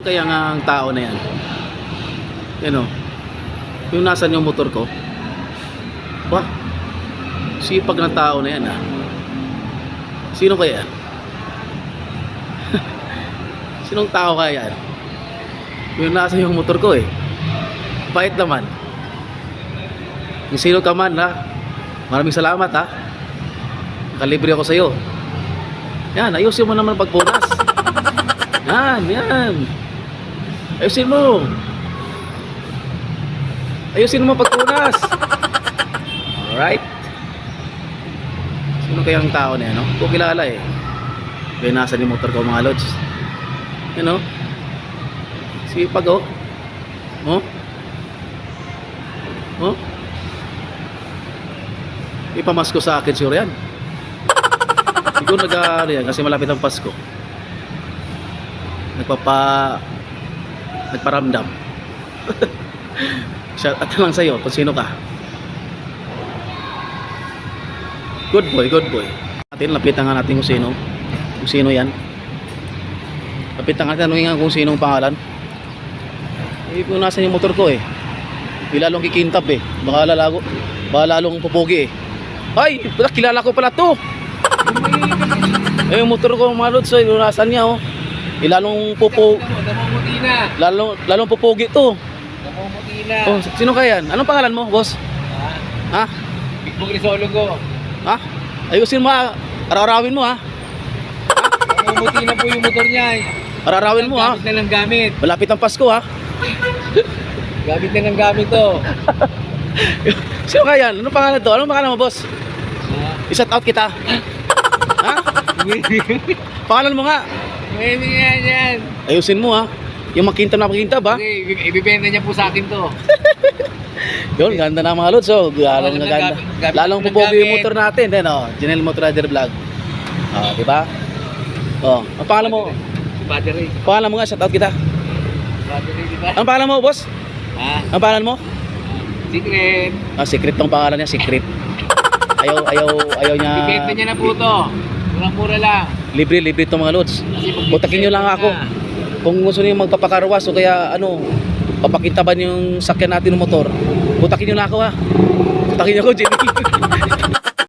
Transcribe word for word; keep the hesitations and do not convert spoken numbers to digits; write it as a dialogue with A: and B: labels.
A: Kaya nga ang tao na yan. Yan o. Yung nasan yung motor ko. Ba? Sipag ng tao na yan ha. Sino kaya yan? Sinong tao kaya yan? Yung nasa yung motor ko eh. Bait naman. Yung sino ka man ha. Maraming salamat ha. Nakalibre ako sa'yo. Yan, ayusin mo naman pagpunas. Yan, yan. Ayusin mo. Ayusin mo pagpunas. Alright. Sino kayang tao na yan, no? Kung kilala eh. Kaya nasa ni motor ko mga lods. Yan, no? Sipag, oh. Oh? Oh? Ipamasko sa akin sure yan. Siguro nag-ano yan kasi malapit ang Pasko. Nagpapa Nagparamdam. Shout out lang sa'yo kung sino ka. Good boy, good boy. Natin, lapitan nga natin kung sino. Kung sino yan. Lapitan nga natin, tanungin nga kung sino ang pangalan. Eh, kung nasan yung motor ko eh. Di lalong kikintab eh. Baka lalago. Baka lalong pupugi eh. Ay, kilala ko pala to. Eh, yung motor ko mga lods, yung nasan niya oh. Eh, lalong pupo.
B: Namumuti na.
A: Lalong, lalong pupugi to.
B: Namumuti na.
A: Oh, sino kaya yan? Anong pangalan mo, boss?
B: Ha?
A: Ha?
B: Big Bog Risolo ko.
A: Ha? Ayusin mo ha. Araw-arawin mo ha.
B: Namumuti na po yung motor niya eh.
A: Araw-arawin mo ha.
B: Gamit na lang gamit.
A: Malapit ang Pasko ha.
B: Gamit na lang gamit to.
A: Sino kaya yan? Anong pangalan to? Anong pangalan mo, boss?
B: Ha?
A: I-shout out kita. Ha? Pangalan mo nga.
B: Pwede yan yan.
A: Ayusin mo ha. Yung makintab na makintab ha.
B: Kasi ibibenta niya po sa akin to.
A: Yun, ganda na mga lods. So, lalong
B: Lalong
A: ganda.
B: gamit- gamit
A: Lalong
B: ng
A: pupogi yung
B: gamit.
A: motor natin. Then, oh, Janelle Motor Rider Vlog. Oh, di ba? Oh, ang pangalan mo?
B: Battery.
A: Pangalan mo nga, shout out kita.
B: Battery, di ba?
A: Ang pangalan mo, boss?
B: Ha?
A: Ang pangalan mo?
B: Secret.
A: Ah, secret tong pangalan niya, secret. Ayaw, ayaw, ayaw niya.
B: Ibibenta niya na po to. Murang-mura lang.
A: Libre, libre itong mga lods.
B: Kasi pag-
A: Kontakin nyo lang ako. Kung gusto niyo magpapakarwas o kaya ano, papakintaban yung sakyan natin ng motor, kontakin nyo na ako ha. Kontakin nyo ako, Jenny.